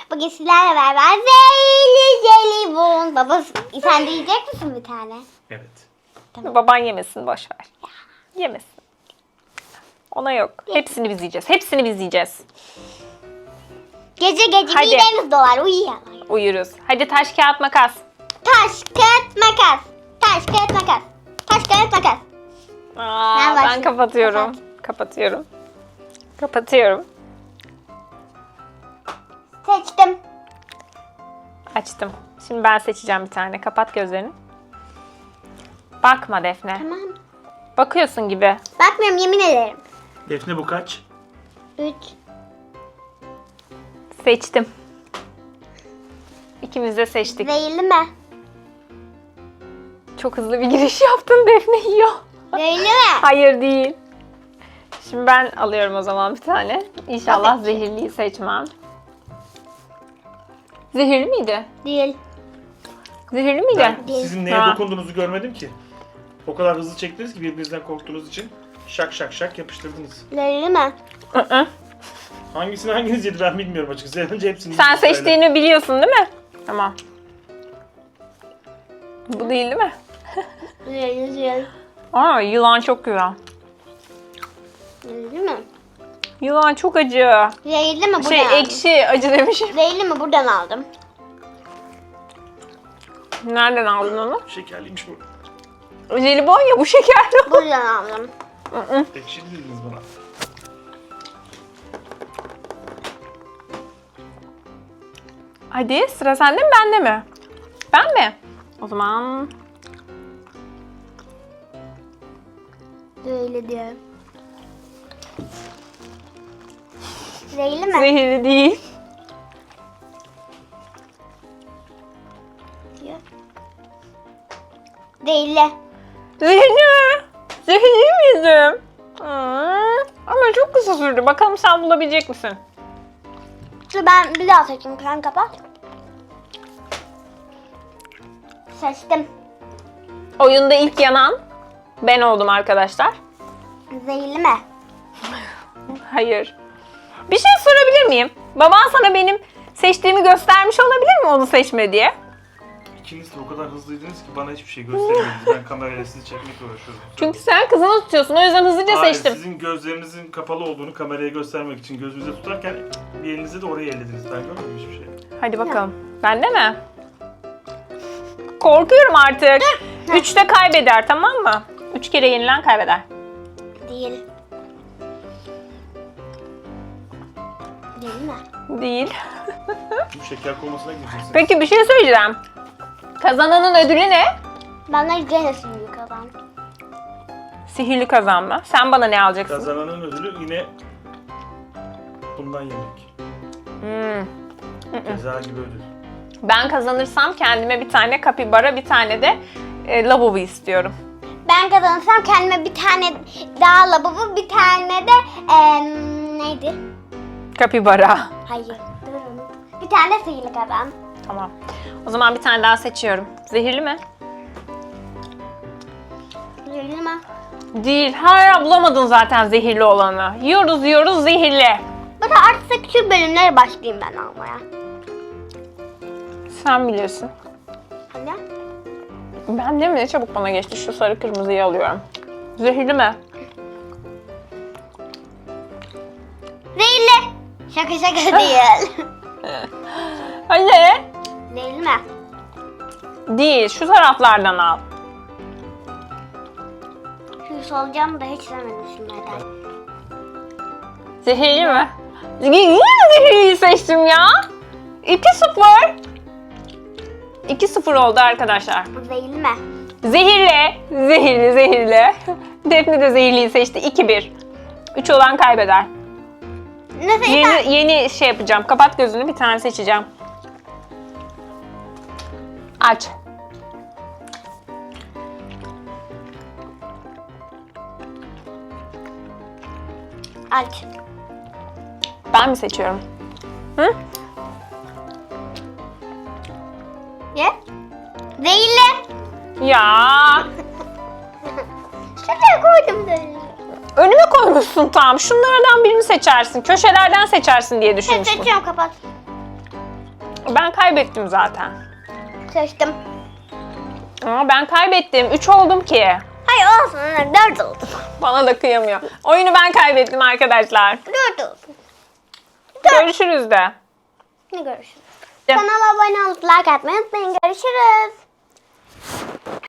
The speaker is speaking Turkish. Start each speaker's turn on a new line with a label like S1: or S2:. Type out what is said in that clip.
S1: Bugün sizlerle beraber zeyli jelibon. Baba sen de yiyecek misin bir tane?
S2: Evet.
S1: Tamam.
S3: Baban yemesin, boş ver. Yemesin. Ona yok. Hepsini biz yiyeceğiz. Hepsini biz yiyeceğiz.
S1: Gece
S3: Hadi.
S1: midemiz dolar uyuyalım.
S3: Uyuruz. Hadi taş kağıt makas.
S1: Taş kağıt makas. Taş kağıt makas. Taş kağıt makas. Ben
S3: Ben
S1: başlayayım.
S3: kapatıyorum. Kapatıyorum. Kapatıyorum.
S1: Seçtim.
S3: Açtım. Şimdi ben seçeceğim bir tane. Kapat gözlerini. Bakma Defne.
S1: Tamam.
S3: Bakıyorsun gibi.
S1: Bakmıyorum yemin ederim.
S2: Defne bu kaç?
S1: 3.
S3: Seçtim. İkimiz de seçtik.
S1: Zehirli mi?
S3: Çok hızlı bir giriş yaptın, Defne yiyor.
S1: Zehirli mi?
S3: Hayır değil. Şimdi ben alıyorum o zaman bir tane. İnşallah
S1: Tabii ki.
S3: zehirliyi seçmem. Zehirli miydi?
S1: Değil.
S3: Zehirli miydi?
S2: Ben sizin neye
S3: Ha.
S2: dokunduğunuzu görmedim ki. O kadar hızlı çektiniz ki birbirinizden korktuğunuz için şak şak şak yapıştırdınız.
S1: Zehirli mi?
S3: Hı-hı.
S2: Hangisini hanginiz yedi ben bilmiyorum açıkçası. Önce hepsini
S3: Sen
S2: yediniz böyle.
S3: seçtiğini biliyorsun değil mi? Tamam. Bu değil mi?
S1: Zehirli.
S3: Aa, yılan çok güzel.
S1: Zehirli mi?
S3: Yılan çok acı.
S1: Zehirli mi? Buradan
S3: Şey
S1: aldım.
S3: ekşi acı demişim.
S1: Zehirli mi? Buradan aldım.
S3: Nereden aldın onu?
S2: Şekerliymiş bu.
S3: Jelibon ya, bu şekerli.
S1: Buradan aldım.
S2: Ekşi dediniz bana.
S3: Hadi sıra sende mi bende mi? Ben mi? O zaman
S1: Zehirli diyorum. Zehirli mi?
S3: zehirli değil.
S1: Zehirli.
S3: Zehirli mi? Zehirli miydim? Ama çok kısa sürdü. Bakalım sen bulabilecek misin?
S1: Dur ben bir daha seçeyim. Sen kapat. Seçtim.
S3: Oyunda ilk yanan ben oldum arkadaşlar.
S1: Zehirli mi?
S3: Hayır. Bir şey sorabilir miyim? Baban sana benim seçtiğimi göstermiş olabilir mi onu seçme diye?
S2: İkiniz de o kadar hızlıydınız ki bana hiçbir şey göstermediniz. Ben kamerayla sizi çekmekle uğraşıyorum.
S3: Çünkü sen kızını tutuyorsun. O yüzden hızlıca
S2: Hayır,
S3: seçtim.
S2: sizin gözlerinizin kapalı olduğunu kameraya göstermek için gözünüze tutarken bir elinizi de oraya ellediniz. Ben görmedim hiçbir şey.
S3: Hadi bakalım. Bende mi? Korkuyorum artık. 3'te kaybeder, tamam mı? 3 kere yenilen kaybeder.
S1: Değil. Değil mi?
S3: Değil.
S2: Bu şeker komasına gireceksin.
S3: Peki bir şey söyleyeceğim. Kazananın ödülü ne?
S1: Benden gene suyu kazan.
S3: Sihirli kazanma. Sen bana ne alacaksın?
S2: Kazananın ödülü yine bundan yemek. Ceza gibi ödül.
S3: Ben kazanırsam kendime bir tane kapibara, bir tane de lavabo istiyorum.
S1: Ben kazanırsam kendime bir tane daha lavabo, bir tane de neydi?
S3: Kapibara.
S1: Hayır. Durun. Bir tane de sihirli kazan.
S3: Tamam. O zaman bir tane daha seçiyorum. Zehirli mi?
S1: Zehirli mi?
S3: Değil. Hala bulamadın zaten zehirli olanı. Yiyoruz zehirli.
S1: Bana artık şu bölümlere başlayayım ben almaya.
S3: Sen bilirsin.
S1: Hadi.
S3: Ben de mi? Ne çabuk bana geçti. Şu sarı kırmızıyı alıyorum. Zehirli mi?
S1: Zehirli. Şaka şaka değil.
S3: Hadi.
S1: Zehirli mi?
S3: Değil. Şu taraflardan al.
S1: Şu solucanı da hiç sevmedim şunlardan.
S3: Zehirli mi? Yine mi zehirliyi seçtim ya? 2-0. 2-0 oldu arkadaşlar.
S1: Bu zehirli mi?
S3: Zehirli. Zehirli. Defne de zehirliyi seçti. 2-1. 3 olan kaybeder.
S1: Nasıl?
S3: Yeni şey yapacağım. Kapat gözünü, bir tane seçeceğim. Aç.
S1: Aç.
S3: Ben mi seçiyorum? Hı?
S1: Ye. Zehirli.
S3: Ya.
S1: Şuraya koydum zehirli.
S3: Önüme koymuşsun tam. Şunlardan birini seçersin. Köşelerden seçersin diye düşünmüştüm.
S1: Seçiyorum kapat.
S3: Ben kaybettim zaten.
S1: Seçtim.
S3: Ama ben kaybettim. 3 oldum ki.
S1: Hayır olsun anne 4 oldu.
S3: Bana da kıyamıyor. Oyunu ben kaybettim arkadaşlar.
S1: 4 oldu.
S3: Görüşürüz de.
S1: Ne görüşürüz? Kanala abone olup like atmayı unutmayın. Görüşürüz.